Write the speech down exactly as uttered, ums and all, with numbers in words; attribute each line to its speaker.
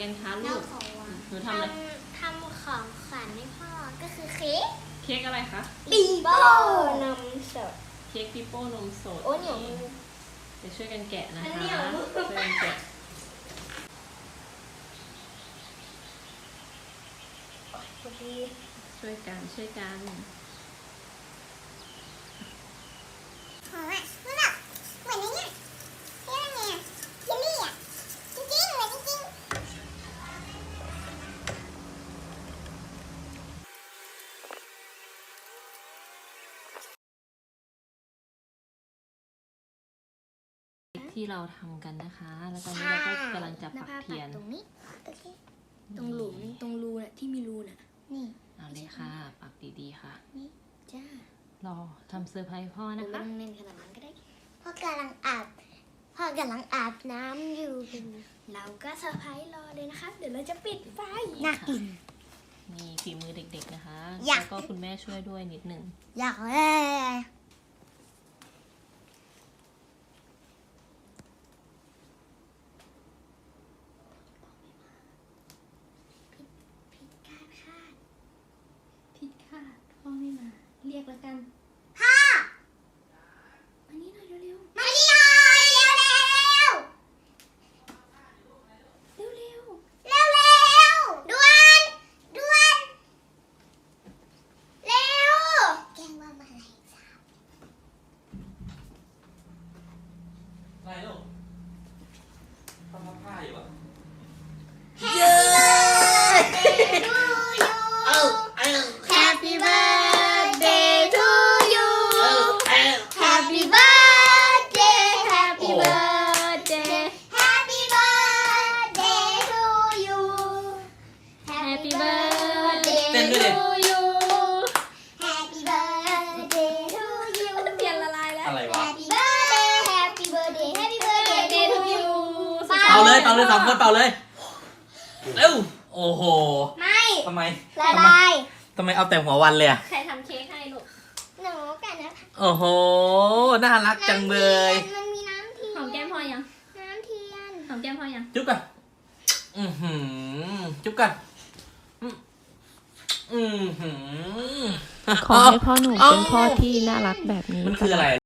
Speaker 1: กันคะลู
Speaker 2: เรา
Speaker 1: ก
Speaker 2: ของหวาน
Speaker 1: หนูทำอะไร
Speaker 2: ทำของขวัญให้พ่อก็คือเค้ก
Speaker 1: เค้กอะไรคะ
Speaker 2: ปีโป้นมสด
Speaker 1: เค้กปิโป้นมสด
Speaker 2: โอ้เหนียวมือ
Speaker 1: จะช่วยกันแกะนะ
Speaker 2: อัน
Speaker 1: คะ
Speaker 2: เหนียวมือ
Speaker 1: ช่วยกันแกะ
Speaker 2: พอดี
Speaker 1: ช่วยกันช่วยกัน
Speaker 2: หอมอ่ะมันแบบเหมือนในเนี้ยเรียกว่าไงอ่ะเยลลี่อ่ะจริงๆเหมือนจริงๆ
Speaker 1: ที่เราทำกันนะคะ แล้วตอนนี้เราก็กำลังจะปักเทียน
Speaker 2: ตรงนี้โอเค
Speaker 3: ตรงหลุมตรงรูน่ะที่มีรูน่ะ
Speaker 2: นี่
Speaker 1: เอาเลยค่ะ ปักดีๆค่ะ
Speaker 3: นี่จ้าร
Speaker 1: อทำเซอร์ไพรส์พ่อ
Speaker 3: ไม่
Speaker 1: นะ
Speaker 3: ต้
Speaker 1: คะ
Speaker 3: องเน้นขนาดนั้นก็ได้
Speaker 2: พ่อกำลังอาบพ่อกำลังอาบน้ำอยู่
Speaker 3: เราก็เซอร์ไพรส์รอเลยนะคะ เดี๋ยวเราจะปิดไฟ
Speaker 2: น่ากิน
Speaker 1: นี่ฝีมือเด็กๆนะคะ
Speaker 2: อยาก
Speaker 1: แล้วก็คุณแม่ช่วยด้วยนิดนึง
Speaker 2: อยากเลย
Speaker 3: ผิดคาดคาดผิดคาดพ่อไม่มา เรียกแล้วกัน
Speaker 2: พ่อ
Speaker 3: อันนี้หน่อยเร็ว
Speaker 2: มานี่หน่อยเร็วเร็ว
Speaker 3: ๆเร็ว
Speaker 2: เร็วเร็วด่วนด่วนเร็วแกงว่ามาอะไรสาบ
Speaker 4: อะไรลูกทำผ้าอยู่อ่ะ
Speaker 2: เย้
Speaker 4: เอ้าเอ้า
Speaker 2: Happy birthday to you
Speaker 4: เอ้าเอ้า
Speaker 2: Happy birthday Happy
Speaker 4: โอ้
Speaker 2: birthday Happy birthday to you Happy birthday
Speaker 4: เต้นด้วยดิ
Speaker 2: to you Happy birthday to you
Speaker 3: ๆเทียนละลายแล้ว
Speaker 4: อะไรวะ
Speaker 2: Happy birthday Happy birthday Happy birthday to you
Speaker 4: เป่าเลยเป่าเลยสามคนเป่าเลย เร็ว โอ้โห
Speaker 2: ไม่
Speaker 4: ทำไม
Speaker 2: ละ
Speaker 4: ทำไม
Speaker 2: ลาย
Speaker 4: ทำไมเอาแต่หัววันเลยอ่ะ
Speaker 1: ใครทำเค้กให้ลูก
Speaker 2: หนูกันนะ
Speaker 4: โอ้โห น่ารักจังเลย
Speaker 2: มันมีน้ำเทียน
Speaker 1: หอมแก้มพ่อยัง
Speaker 2: น้ำเทียน
Speaker 1: หอมแก้มพ่อยัง
Speaker 4: จุ๊บกันอือหือ จุ๊บกันอืมอือหือ
Speaker 1: ขอให้พ่อหนูเป็นพ่อที่น่ารักแบบนี้
Speaker 4: มันคืออะไร